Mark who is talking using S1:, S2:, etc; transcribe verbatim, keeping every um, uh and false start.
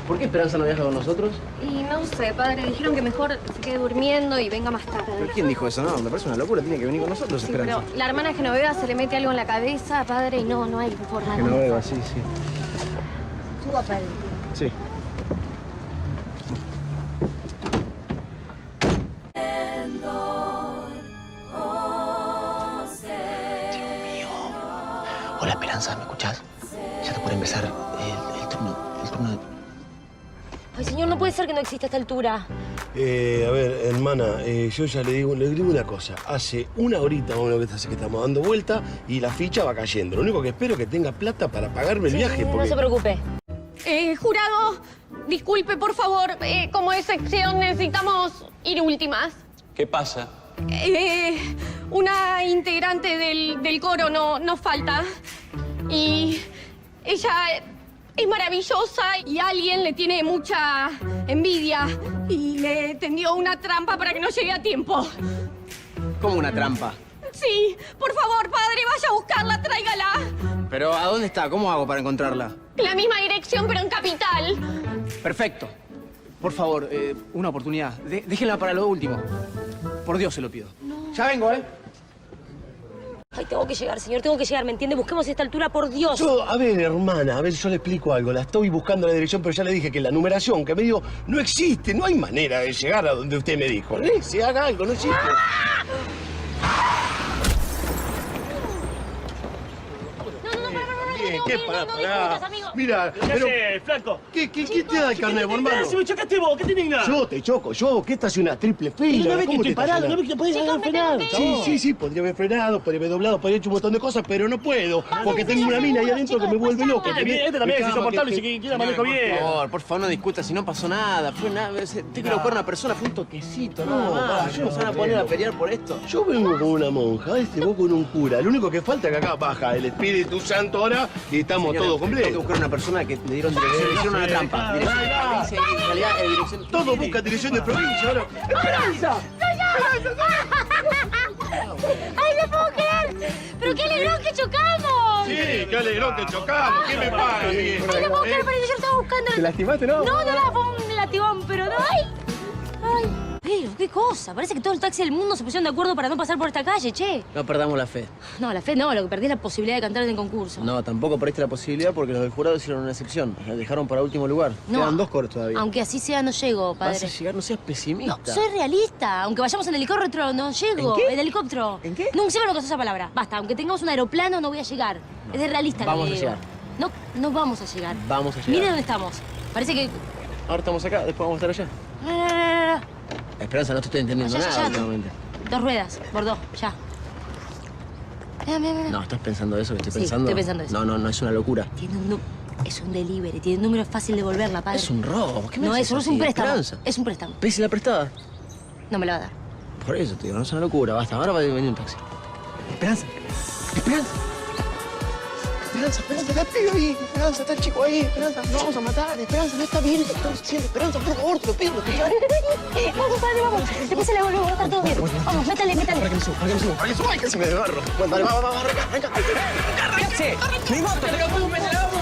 S1: ¿Por qué Esperanza no viaja con nosotros?
S2: Y no sé, padre. Dijeron que mejor se quede durmiendo y venga más tarde.
S1: ¿Pero quién dijo eso? No, me parece una locura. Tiene que venir con nosotros,
S2: Sí,
S1: Esperanza.
S2: pero la hermana Genoveva se le mete algo en la cabeza, padre, y no, no hay forma.
S1: Genoveva, sí, sí.
S2: Suba, padre.
S1: Sí. Hola, Esperanza, ¿me escuchás? Ya te puede empezar el, el turno, el turno de...
S2: Ay, señor, no puede ser que no exista a esta altura.
S3: Eh, a ver, hermana, eh, yo ya le digo, le digo una cosa. Hace una horita más o menos que hace que estamos dando vuelta y la ficha va cayendo. Lo único que espero es que tenga plata para pagarme el
S2: Sí,
S3: viaje. Porque...
S2: No se preocupe.
S4: Eh, jurado, disculpe, por favor. Eh, como excepción necesitamos ir últimas.
S5: ¿Qué pasa?
S4: Eh, una integrante del, del coro no, nos falta. Y ella es maravillosa y alguien le tiene mucha envidia. Y le tendió una trampa para que no llegue a tiempo.
S1: ¿Cómo una trampa?
S4: Sí, por favor, padre, vaya a buscarla, tráigala.
S1: ¿Pero a dónde está? ¿Cómo hago para encontrarla?
S4: En la misma dirección, pero en capital.
S1: Perfecto. Por favor, eh, una oportunidad. De- déjenla para lo último. Por Dios se lo pido. No. Ya vengo, ¿eh?
S2: Ay, tengo que llegar, señor, tengo que llegar, ¿me entiende? Busquemos esta altura, por Dios.
S3: Yo, a ver, hermana, a ver, yo le explico algo. La estoy buscando la dirección, pero ya le dije que la numeración que me dio no existe. No hay manera de llegar a donde usted me dijo. ¿Eh? Se haga algo, no existe. Bien, ¿qué para,
S2: no, no
S3: pará?
S2: discutas, amigo.
S3: Mira,
S6: ¿Qué
S3: pero...
S6: haces, flaco?
S3: ¿Qué, qué, ¿Quién te da el carnet, hermano?
S6: Si me chocaste vos, ¿qué te digna?
S3: Yo te choco, yo, que esta es una triple fila.
S6: No ves que
S3: ¿Cómo
S6: estoy
S3: te
S6: parado,
S3: estacionás?
S6: no ves que te podés
S2: Chicos,
S6: haber
S2: me
S6: frenado.
S2: tengo que
S3: Sí, sí, sí, podría haber frenado, podría haber doblado, podría haber hecho un montón de cosas, pero no puedo, porque tengo una mina ahí adentro que me vuelve loco.
S6: Este también, este también es insoportable, si quiere manejo bien.
S1: Por favor, por favor, no discuta si no pasó nada. Fue nada. Tengo que buscar una persona, fue un toquecito,
S3: No,
S1: no,
S3: va,
S1: más.
S3: yo
S1: No se van a
S3: no
S1: poner a
S3: creo.
S1: pelear por esto.
S3: Yo vengo con una monja, este vos con un cura. Lo único que falta es que acá baja el Espíritu Santo ahora y estamos
S1: Señores,
S3: todos
S1: tengo que
S3: completos.
S1: buscar una persona que le dieron dirección, le hicieron una trampa. Dirección de provincia y en realidad eh, dirección...
S3: Todos buscan dirección de provincia ahora. ¡Esperanza!
S2: ¡Ay, no puedo creer! ¡Pero qué alegrón que chocamos!
S3: Sí, qué alegrón que chocamos. ¿Qué me paga, viejo?
S2: ¡Ay, no puedo creer! Parece que yo estaba buscando...
S1: ¿Te lastimaste, no?
S2: No, no, no, fue un latigón, pero no. ¡Ay! ¡Ay! Pero, qué cosa. Parece que todo el taxi del mundo se pusieron de acuerdo para no pasar por esta calle, che.
S1: No perdamos la fe.
S2: No, la fe no. Lo que perdí es la posibilidad de cantar en el concurso.
S1: No, tampoco perdiste la posibilidad porque los del jurado hicieron una excepción. La dejaron para último lugar.
S2: No.
S1: Quedan dos coros todavía.
S2: Aunque así sea, no llego, padre.
S1: Vas a llegar, no seas pesimista.
S2: No, soy realista. Aunque vayamos en helicóptero, no llego.
S1: ¿En qué?
S2: ¿En helicóptero?
S1: ¿En qué?
S2: No, siempre no esa palabra. Basta, aunque tengamos un aeroplano, no voy a llegar. Es de realista lo
S1: Vamos
S2: que
S1: a
S2: digo.
S1: llegar.
S2: No, no vamos a llegar.
S1: Vamos a llegar.
S2: Mire dónde estamos. Parece que...
S1: Ahora estamos acá, después vamos a estar allá.
S2: No, no, no, no, no.
S1: Esperanza, no te estoy entendiendo
S2: Ya, ya,
S1: nada
S2: ya.
S1: últimamente.
S2: Dos ruedas, por dos, ya. Mira, mira, mira.
S1: No, ¿estás pensando eso que estoy
S2: Sí,
S1: pensando?
S2: estoy pensando eso.
S1: No, no, no, es una locura.
S2: Tiene un... nu- Es un delivery. Tiene un número fácil de devolverla, padre.
S1: Es un robo. ¿Qué me
S2: No,
S1: haces
S2: eso no es
S1: así?
S2: un préstamo.
S1: Esperanza.
S2: Es un préstamo.
S1: ¿Ves la prestada?
S2: No me la va a dar.
S1: Por eso te digo, no es una locura. Basta, ahora va a venir un taxi. Esperanza. Esperanza. Esperanza, Esperanza, está el pibe ahí. Esperanza, está el chico ahí. Esperanza, no vamos a matar. Esperanza, no está bien. Lo que estamos haciendo. Esperanza, por favor, te lo pido.
S2: Vamos, padre, vamos. Después se la vuelvo a estar todo bien. Vamos, métale, métale.
S1: Para que me suba, para que me suba, para que me suba. Ay, casi me desgarro. Bueno, dale, va, va, va, arranca, arranca. ¡Arranca! ¡Mi moto! ¡Te lo pongo, me la